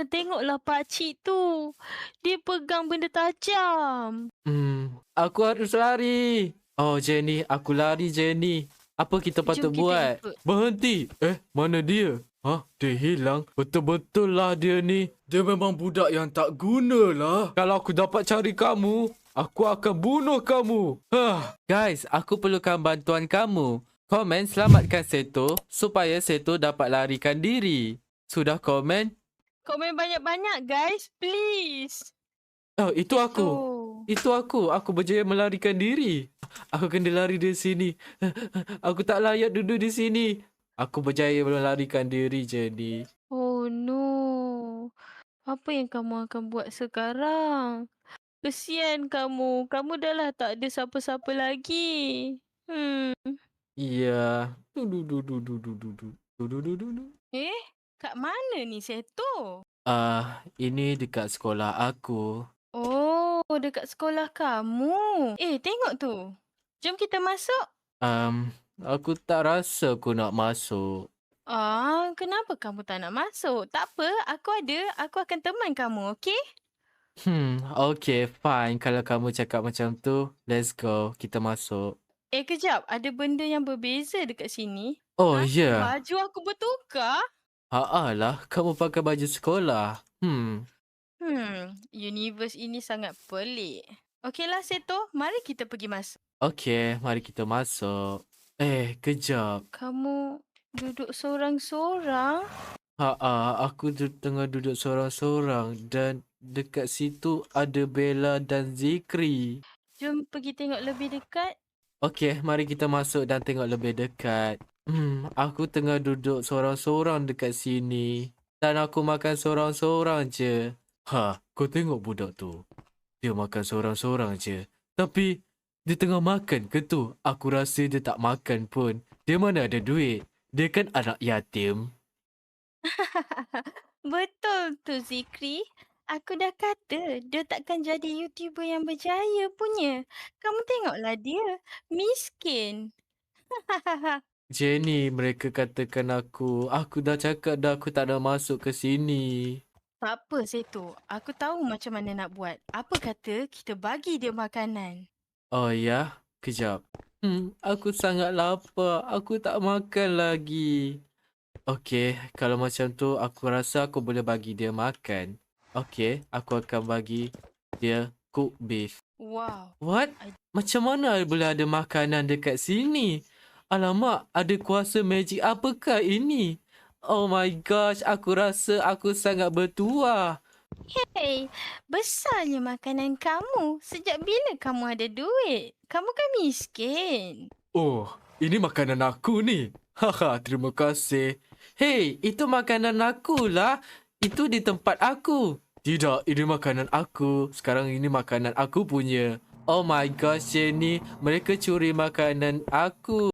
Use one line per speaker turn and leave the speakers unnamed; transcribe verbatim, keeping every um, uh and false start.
tengoklah pakcik tu. Dia pegang benda tajam.
Hmm, aku harus lari. Oh, Jenny, aku lari, Jenny. Apa kita patut
Jom kita
buat?
ikut.
Berhenti. Eh, mana dia? Hah, dia hilang. Betul-betul lah dia ni. Dia memang budak yang tak guna lah. Kalau aku dapat cari kamu, aku akan bunuh kamu. Hah. Guys, aku perlukan bantuan kamu. Komen selamatkan Seto supaya Seto dapat larikan diri. Sudah komen?
Komen banyak-banyak guys, please.
Oh, itu aku.
Seto.
Itu aku. Aku berjaya melarikan diri. Aku kena lari dari sini. Aku tak layak duduk di sini. Aku berjaya melarikan diri, Jenny.
Oh no. Apa yang kamu akan buat sekarang? Kesian kamu. Kamu dah lah tak ada siapa-siapa lagi. Hmm.
Iya. Du-du-du-du-du-du-du. Du-du-du-du-du.
Eh, kat mana ni Seto?
Ah, ini dekat sekolah aku.
Oh, dekat sekolah kamu. Eh, tengok tu. Jom kita masuk.
Um, aku tak rasa aku nak masuk.
Ah, kenapa kamu tak nak masuk? Tak apa, aku ada. Aku akan teman kamu, okey?
Hmm, okay, fine. Kalau kamu cakap macam tu, let's go. Kita masuk.
Eh, kejap. Ada benda yang berbeza dekat sini.
Oh,
Ha?
ya. Yeah.
Baju aku bertukar?
Haa lah, kamu pakai baju sekolah. Hmm.
Hmm, universe ini sangat pelik. Okeylah, Seto. Mari kita pergi masuk.
Okay, mari kita masuk. Eh, kejap.
Kamu duduk sorang-sorang?
Haa, aku tu tengah duduk sorang-sorang dan dekat situ ada Bella dan Zikri.
Jom pergi tengok lebih dekat.
Okay, mari kita masuk dan tengok lebih dekat. Hmm, aku tengah duduk sorang-sorang dekat sini. Dan aku makan sorang-sorang je. Ha, kau tengok budak tu. Dia makan sorang-sorang je. Tapi, dia tengah makan ke tu? Aku rasa dia tak makan pun. Dia mana ada duit? Dia kan anak yatim.
Betul tu, Zikri. Aku dah kata dia takkan jadi YouTuber yang berjaya punya. Kamu tengoklah dia. Miskin.
Jenny, mereka katakan aku. Aku dah cakap dah aku tak nak masuk ke sini.
Tak apa, Seto. Aku tahu macam mana nak buat. Apa kata kita bagi dia makanan?
Oh ya? Kejap. Hmm, aku sangat lapar. Aku tak makan lagi. Okey, kalau macam tu aku rasa aku boleh bagi dia makan. Okey, aku akan bagi dia cook beef.
Wow.
What?
I-
Macam mana boleh ada makanan dekat sini? Alamak, ada kuasa magic apakah ini? Oh my gosh, aku rasa aku sangat bertuah.
Hey, besarnya makanan kamu. Sejak bila kamu ada duit? Kamu kan miskin.
Oh, ini makanan aku ni. Haha, terima kasih. Hey, itu makanan aku lah. Itu di tempat aku. Tidak, ini makanan aku. Sekarang ini makanan aku punya. Oh my gosh, Jenny. Mereka curi makanan aku.